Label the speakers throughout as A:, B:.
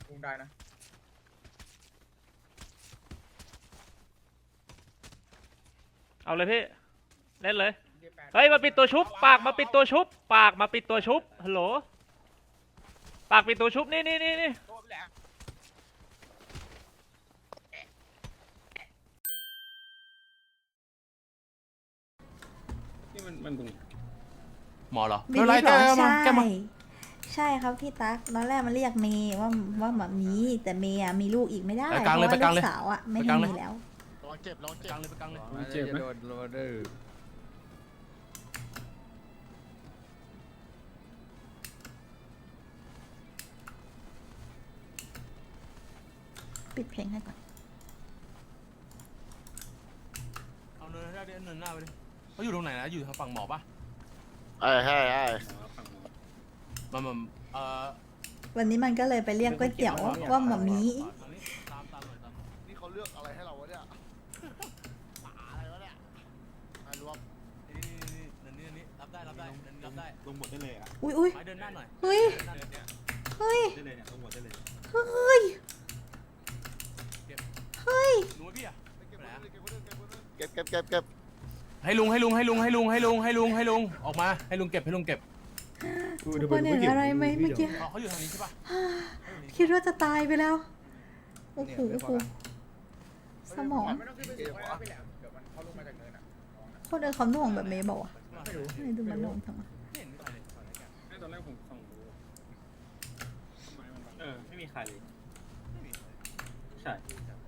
A: ลุงได้นะ
B: เอาเลยพี่เล่นเลยเฮ้ยมาปิดตัวชุบปากมาปิดตัวชุบปากมาปิดตัวชุบฮัลโหลปากปิดตัวชุบนี่
C: มันตรง
D: หมอเหรอ
E: บิลลี่บอกใช่ครับพี่ตั๊กตอนแรกมันเรียกเมย์ว่าแบบนี้แต่เมย์มีลูกอีกไม่ได้เพราะว่าลูกสาวอ่ะไม่ได้มีแล้ว
D: ลองเจ็บกลางเลยไปกลางเลย
C: มันเจ็บไหม
A: โดนดื้อ
E: ปิดเพลงให้ก่อน
D: เอาเนินได้เนินหน้าไปดิเขาอยู่ตรงไหนนะอยู่ทางฝั่งหมอปะ
F: ใช่
D: มัน
E: วันนี้มันก็เลยไปเรียกก๋วยเตี๋ยวว่าหม่ามี
D: ตามหน่อยตาม
F: นี่เขาเลือกอะไรให้เราวะเนี่ยป่าอะไรวะเนี่ยมารวม
D: นี่รับได้รับได้
C: ลงหมดได้เลยอ่ะ
E: อุ้ย
D: ไม้เดินหน้าหน่อย
E: เฮ้ย เฮ้ย
C: ได้เลยเนี่ยลงหมดได้เลย
E: เฮ้ยเฮ้ย
D: ลุงพี่อะ
F: เก็บ
D: ให้ลุงออกมาให้ลุงเก็บ
E: ทุกคนเห็นอะไรไหมเมื่อกี้
D: เขาอยู่ทางนี้ใช่ปะ
E: คิดว่าจะตายไปแล้วโอ้โหสมอง
A: ไม่ต้องขึ้นไปสูงแล้วไปแหลมเดี๋ยวมันเขาลงมาจากเนินอ่ะ
E: คนเดินเขาหน่วงแบบเมย์บอกอ่ะ
A: ไม่รู้
E: ไม่ดูมันหน่วงทำไม
D: ไม่เห็นมีใครเลย
C: ตอนแรกผมส่องดูไม่มีใครเลยใช่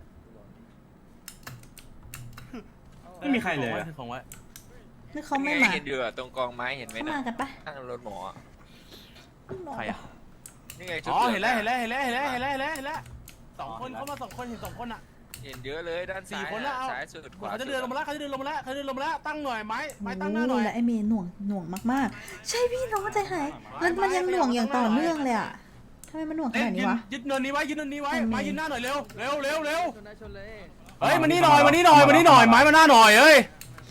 C: ไม่มีใครเลย
D: ของไว้
E: นี่เขาไม่มา
G: เห็นอยู่อะตรงกองไม้เห็นไหม
E: เขา
G: นะ
E: มากันปะ
G: ข้างรถหมออะ
D: ใครอะ
G: นี่ไงชุด
D: อ๋อ
G: ลืง
D: เห็นแล้วสองคนเขามา2 คนเห็น2 คนอะ
G: เห็นเยอะเลยด้านซ้าย
D: 4 คนแล้วเอา
G: ซ้ายสุดขวา
D: เขาจะเดินลงมาแล้วตั้งหน่อยไม้ตั้งห
E: โอ้
D: น้าหน่อย
E: แล้วไอเมย์หน่วงมากๆ ใช่พี่น้องใจหายมันยังหน่วงอย่างต่อเนื่องเลยอ่ะทำไมมันหน่วงขนาดนี้วะ
D: ยึดเนินนี้ไว้มายืนหน้าหน่อยเร็วเฮ้ย
C: มา
D: มา
C: นี่
D: นี่
C: ห
D: ห
C: น่
D: น่
C: อ
D: อย ไม้มาหน้าหน่อยเอ้ย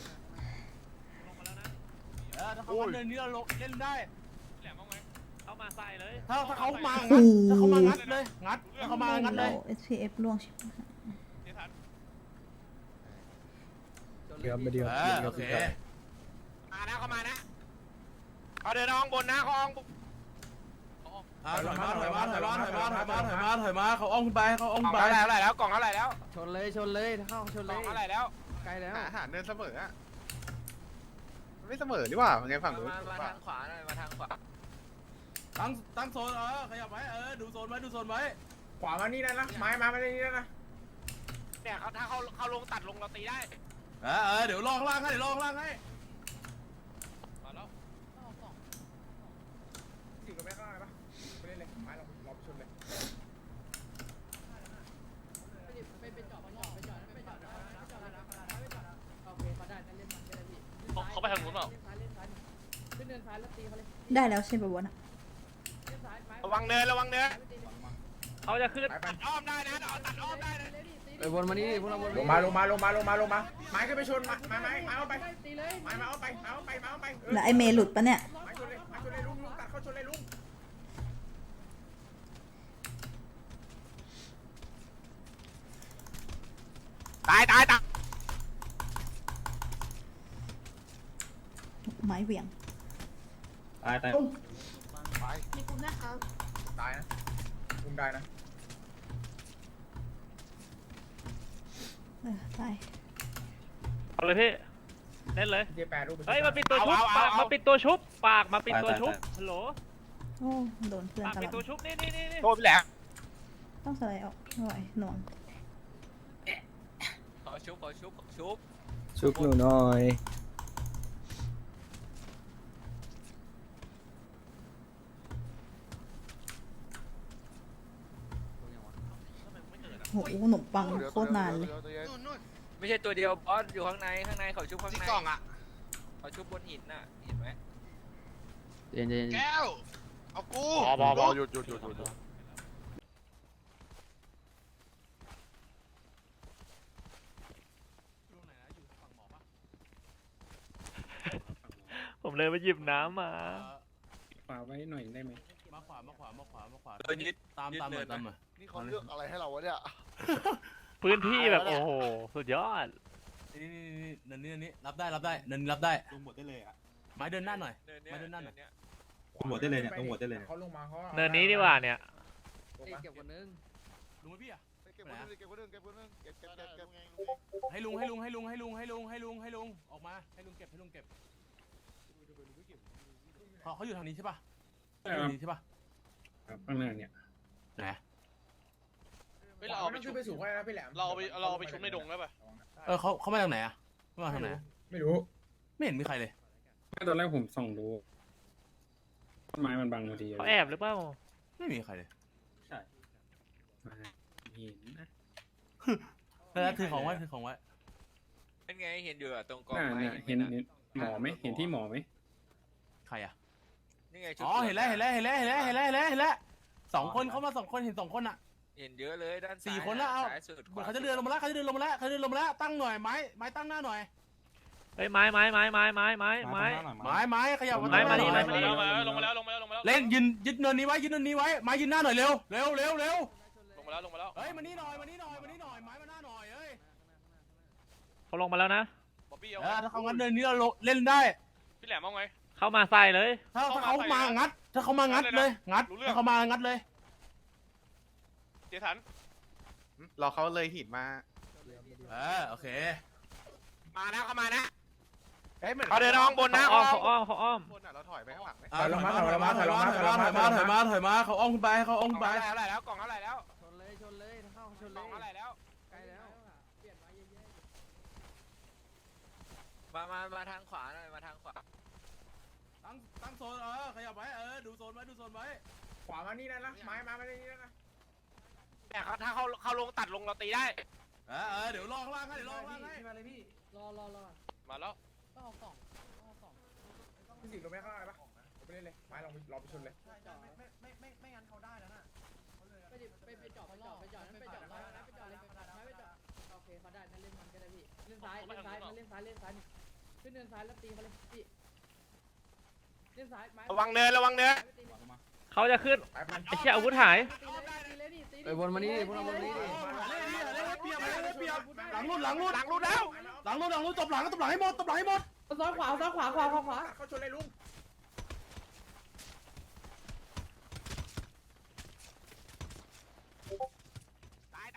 D: ถ้าเขาเนินนี้เราเล่นได้
B: แหลมบ้างไหมเข้ามาใส่เลย
D: ถ้าเขามา
E: โอ้
D: งัดเลยถ้าเขามางัดเลย
E: SPF ล่วงชิบ
A: เดี๋ยวมาเดียว
D: โอเค
G: มานะเขามานะเขาเดินห้องบนนะเขาห้องบน
D: ถอยมาเขาอ้อมขึ้นไป
G: กล่องเท่าไหร่แล้วกล่องเท่าไหร่แล้ว
H: ชนเลยเข้าชน
G: ก
H: เล
G: ล่อง
H: ย
G: เท่าไหร่แล้ว
H: ไกลแล้ว
F: อาหารเดินเสมออะมันไม่เสมอนี่หว่าไงฝั่งนู้น
G: มาทางขวาหน่อยมาทางขวา
D: ตั้งโซนขยับไว้ดูโซนไว้
A: ขวามานี่ได้นะไม้มาไม่ได้นี่ได้นะ
G: เนี่ยเขาถ้าเขาลงตัดลงเราตีได้
D: เดี๋ยวลองล่างให้
A: อยู่กับแม่ข้างในปะไปเล่นเลยไม้เราไปชนเลย
B: เขาไปทางนู้นเปล่า
E: ได้แล้วใช่ปะวะน่ะ
G: ระวังเนิน
B: เขาจะขึ้น
A: ไป
G: อ้อมได้นะตัดอ้อมได้นะ
H: ไปวนมานี่พวกเราวน
A: ลงมาไม้ขึ้นไปชนไม้เอาไปไม้มาเอาไป
E: แล้วไอเมย์หลุดปะเนี่ย
A: ไม้ชนเลยลุงตัดเข้าชนเลยลุง
G: ตาย
E: ไม้เหวี่ยง
C: ตาย
A: ตายนะลุงได้นะ
E: ตาย
B: เอาเลยพี่เล่นเลย
A: เจ๊แปรรูป
B: เฮ้ยมาปิดตัวชุบปากมาปิดตัวชุบปากมาปิดตัวชุบฮัลโหล
E: โอ้โดนเพื่อน
B: ปาก
E: ตล
B: ปิด
E: อ
B: ตัว
E: ด
B: ชุบนี่
G: โทษพี่แหลม
E: ต้องสไลด์ออกไม่ไหวหน่วง
G: ขอชุบ
H: ชุบหนูหน่อย
E: โหขนมปังโคตรนานเลย
G: ไม่ใช่ตัวเดียวบอสอยู่ข้างในเขาชุบข้าง
F: ที่
G: ใน
F: กล่องอ่ะ
G: เขาชุบบนหินน่ะเห็นไหม
H: เย็น
F: แก้ว เอากูบอหยุด
B: ผมเลยมาหยิบน้ำมา
C: ฝากไว้หน่อยได้ไหม
D: มาขวา
G: เดินยึด
D: ตามหน่อย
F: นี่เขาเลือกอะไรให้เราวะเนี่ย
B: พื้นที่แบบโอ้โหสุดยอด
D: นี่เนินนี้รับได้เนินนี้รับได้
C: ลงหมดได้เลยอ่ะ
D: ไม้เดินหน้าหน่อย
G: เนิน
D: มาเดินหน้าหน่อย
G: เย
C: ลงหมดได้เลยเนี่ยลงหมดได้เลยเนี่ย
A: เขาลงมาเขา
B: เนินนี้ดีกว่าเนี่ย
H: เก็บคนนึง
D: ลุงไหมพี่อะ
F: เก็บคนนึงเก็บคนนึงเก็บคนนึงเก็บ
D: ให้ลุงออกมาให้ลุงเก็บเขาอยู่ทางนี้ใช่ปะอยู่ทางนี้ใช่ปะ
C: ครับข้างหน้าเนี่ย
D: ไหน
A: เราเอาไปชุบไปสูงก็ได้นะพี่แหลม
G: เราเอาไปชุบในดงได้ป่ะ
D: เขามาจากไหนอะมาทางไหน
A: ไม่รู้
D: ไม่เห็นมีใครเลย
C: ตอนแรกผมส่องดูต้นไม้มันบังพอดี
B: เขาแอบหรือเปล่า
D: ไม่มีใครเลย
C: ใช่เห็นนะ
D: แล้วถือของไว้
G: เป็นไงเห็นอยู่ตรงกอง
C: น่า
G: ไม้
C: เนี่ยเห็นหมอไหมเห็นที่หมอไหม
D: ใครอะ
G: นี่ไง
D: อ๋อเห็นแล้ว2 คนเขามา2 คนเห็น2 คนอะ
G: เห็นเยอะเลยด้านซ้าย
D: 4 คนแล้วเอา
G: ซ้ายสุด
D: เหมือนเขาจะเดินลงมาแล้วตั้งหน่อยไม้ตั้งหน้าหน่อย
B: เฮ้ยไม้ขยับ
D: ไม้ขยับ
B: ไม้มานี่
G: ลงมาแล้ว
D: เล่นยึดเนินนี้ไว้ไม้ยืนหน้าหน่อยเร็ว
G: ลงมาแล้ว
D: เฮ้ยมานี่หน่อยไม้มาหน้าหน่อยเอ้ย
B: เขาลงมาแล้วนะ
G: บ๊อบบี้
D: ถ้าเขางั้นเนินนี้เราเล่นได้
G: พี่แหลมเอาไง
B: เข้ามาใส่เลย
D: ถ้าเขามางัดถ้าเขามางัดเลยถ้าเขามางัดเลย
G: เจสัน
F: รอเขาเลยหินมา
D: โอเค
G: มานะเขามานะ
F: เฮ้ยเหมือน
G: เขาเดินน้องบนนะ
B: เขาอ้อม
F: คนอ่ะเราถอยไปข้างหลังไหม
D: ถอยมาเขาอ้อมขึ้นไป
G: กล่องเท่าไหร่แล้วกล่องเท่าไหร่แล้ว
H: ชนเลยถ้าเข้าชน
G: ก
H: เล
G: ล่อง
H: ย
G: เท่าไหร่แล้ว
H: ใกล้แล้วเปลี่ยนมาเยอะ
G: มาทางขวาหน่อยมาทางขวา
D: ตั้งโซนขยับไว้ดูโซนไว้
A: ขวามานี่นะไม้มานี่นะ
G: แต่ถ้าเขาลงตัดลงเราตีได้
D: เดี๋ยวรอข้างล่างให้
H: มาเลยพี่รอ
G: มาแล้ว
H: ต้องเอากล่อง
A: พี่สิงห์ลงไปข้างล่างเลยปะไปเล่นเลยไม้ลองรอไปชนเลย
H: ไม่งั้นเขาได้แล้วน่ะไปจอดนั่นไปจอดเลยโอเคเขาได้นั่นเล่นมันก็ได้พี่เล่นซ้ายขึ้นเนินซ้ายแล้วตีมาเลยพี่เล่นซ้ายไม้
G: ระวังเนิน
B: เขาจะขึ้น
A: ไปมัน
B: ไอ้เชี่ยอาวุธหาย
H: ตีเลยดิ
I: ไปวนมานี่พวกเราวนมานี่
D: เปรียบหลังรุ่น
G: หลังรุดแล้ว
D: จบหลังให้หมด
H: ซ้ายขวา
A: เขาชนเลยลุง
G: ตาย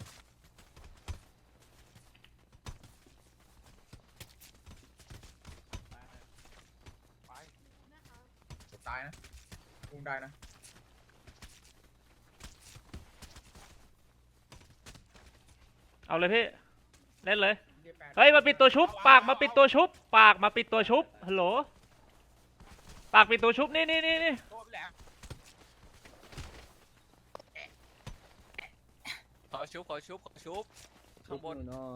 A: ตายนะลุงได้นะ
B: เอาเลยพี่ เล่นเลย เฮ้ยมาปิดตัวชุบ ปากมาปิดตัวชุบ ฮัลโหล ปากปิดตัวชุบ นี่
G: โทษพี่แหลมขอชุบข้างบน
H: หน่อย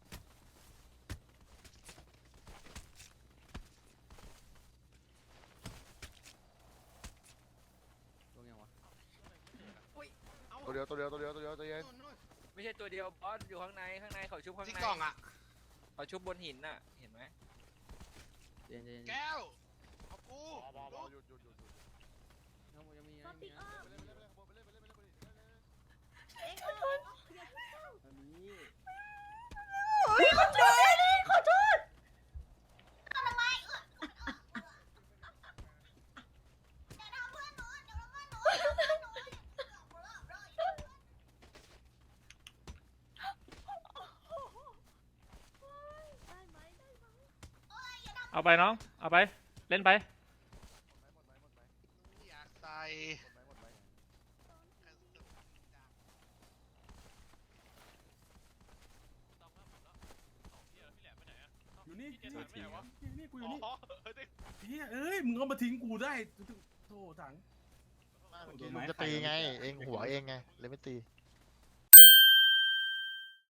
F: ตัวเดียว
G: ไม่ใช่ตัวเดียวบอสอยู่ข้างในเขาชุบข้างใน
F: ที่กล่องอ่ะ
G: เขาชุบบนหินน่ะเห็นไหม
H: เย็น
F: แก้วเอากู หยุด
H: ยังมี
B: เอาไปน้อง เอาไป เล่นไป
F: อยากใส่
D: อยู่นี่กูอยู่นี่เอ้ยมึงเอามาทิ้งกูได้โธ่ถัง
F: เมื่อกี้ลุงจะตีไง เองหัวเองไงเลยไม่ตี